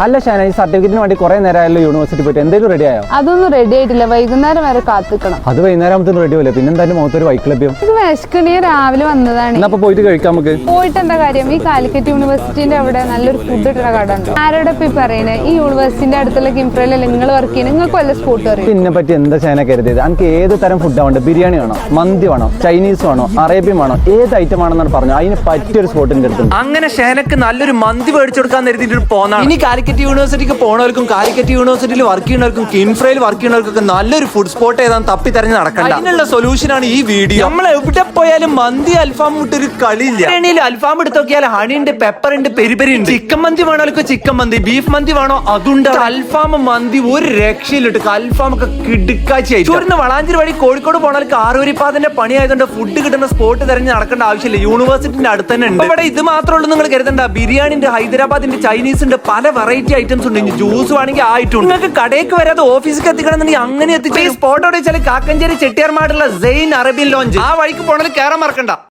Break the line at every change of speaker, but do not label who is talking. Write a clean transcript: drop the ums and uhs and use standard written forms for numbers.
അല്ല ഷാന, ഈ സർട്ടിഫിക്കറ്റിന് വേണ്ടി കുറെ നേരമായല്ലോ യൂണിവേഴ്സിറ്റി പോയിട്ട്, എന്തെങ്കിലും റെഡി ആയോ?
അതൊന്നും റെഡി ആയിട്ടില്ല, വൈകുന്നേരം വരെ കാത്തിക്കണം.
അത് വൈകുന്നേരമാകുമ്പോൾ റെഡി ആവില്ല, പിന്നെ എന്തായാലും മുഖത്തൊരു വൈക്ക് ലഭ്യം.
ഇത് വിശക്കണിയെ രാവിലെ വന്നതാണ്.
എന്നാ പോയിട്ട് കഴിക്കാം നമുക്ക്.
പോയിട്ട് എന്താ കാര്യം? ഈ കാലിക്കറ്റ് യൂണിവേഴ്സിറ്റിന്റെ അവിടെ നല്ലൊരു ഫുഡ് കിട്ടുന്ന കട ഉണ്ടോ? ആരോടെ ഇപ്പൊ പറയണേ? ഈ യൂണിവേഴ്സിറ്റിന്റെ അടുത്തുള്ള കിംപ്രയിലല്ലേ നിങ്ങൾ വർക്ക് ചെയ്യുന്നത്? നിങ്ങൾക്ക് വല്ല സ്പോട്ട് അറിയാം?
ഇതിനെ പറ്റി എന്താ ഷാന കരുതിയത്? എനിക്ക് ഏത് തരം ഫുഡ് വേണ്ട? ബിരിയാണി വേണോ, മന്തി വേണോ, ചൈനീസ് വേണോ, അറേബ്യൻ വേണോ, ഏത് ഐറ്റം ആണെന്നാണ് പറഞ്ഞു. അതിന് പറ്റിയൊരു സ്പോട്ടിന്റെ അടുത്തുണ്ട്.
അങ്ങനെ ഷാനക്ക് നല്ലൊരു മന്തി മേടിച്ചു കൊടുക്കാൻ കരുതിയിട്ട് പോന്നാണ്. ഇനി കാലിക്കറ്റ് യൂണിവേഴ്സിറ്റിക്ക് പോണവർക്കും കാലിക്കറ്റ് യൂണിവേഴ്സിറ്റിയിൽ വർക്ക് ചെയ്യുന്നവർക്കും കിൻഫ്രയിൽ വർക്ക് ചെയ്യുന്നവർക്കൊക്കെ നല്ലൊരു ഫുഡ് സ്പോട്ട് ഏതാന്ന് തപ്പി തെരഞ്ഞ് നടക്കണ്ട. അതിനുള്ള സൊല്യൂഷനാണ് ഈ വീഡിയോ. നമ്മൾ എവിടെ പോയാലും മന്തി അൽഫാം വിട്ടൊരു കളിയില്ല. ബിരിയാണിയിൽ അൽഫാം എടുത്ത് നോക്കിയാൽ ഹണി ഉണ്ട്, പെപ്പർ ഉണ്ട്, പെരിപെരി ഉണ്ട്. ചിക്കൻ മന്തി വേണോ ചിക്കൻ മന്തി, ബീഫ് മന്തി വേണോ അതുണ്ട്. അൽഫാം മന്തി ഒരു രക്ഷയിലിട്ട് അൽഫാം ഒക്കെ കിടുക്കാച്ചായി. ചൂരിന് വളാഞ്ചേരി വഴി കോഴിക്കോട് പോണവർക്ക് ആറുവരിപ്പാതിന്റെ പണി ആയതുകൊണ്ട് ഫുഡ് കിട്ടുന്ന സ്പോട്ട് തെരഞ്ഞ് നടക്കേണ്ട ആവശ്യമില്ല. യൂണിവേഴ്സിറ്റിന്റെ അടുത്ത് തന്നെ ഉണ്ട്. ഇവിടെ ഇത് മാത്രമേ ഉള്ളൂ നിങ്ങൾ കരുതണ്ട. ബിരിയാണി ഉണ്ട്, ഹൈദരാബാദിന്റെ ചൈനീസ് ഉണ്ട്, പല വെറൈറ്റി ഐറ്റംസ് ഉണ്ട്. ജ്യൂസ് വേണമെങ്കിൽ ആയിട്ടുണ്ട്. നിങ്ങൾക്ക് കടയ്ക്ക് വരാതെ ഓഫീസിൽ എത്തിക്കണമെന്നുണ്ടെങ്കിൽ അങ്ങനെ എത്തിച്ചു. ഈ സ്പോട്ടോടെ വെച്ചാൽ കാക്കഞ്ചേരി ചെട്ടിയാർമാടുള്ള സെയിൻ അറേബ്യൻ ലോഞ്ച്. ആ വഴിക്ക് പോണത് കയറാൻ മറക്കണ്ട.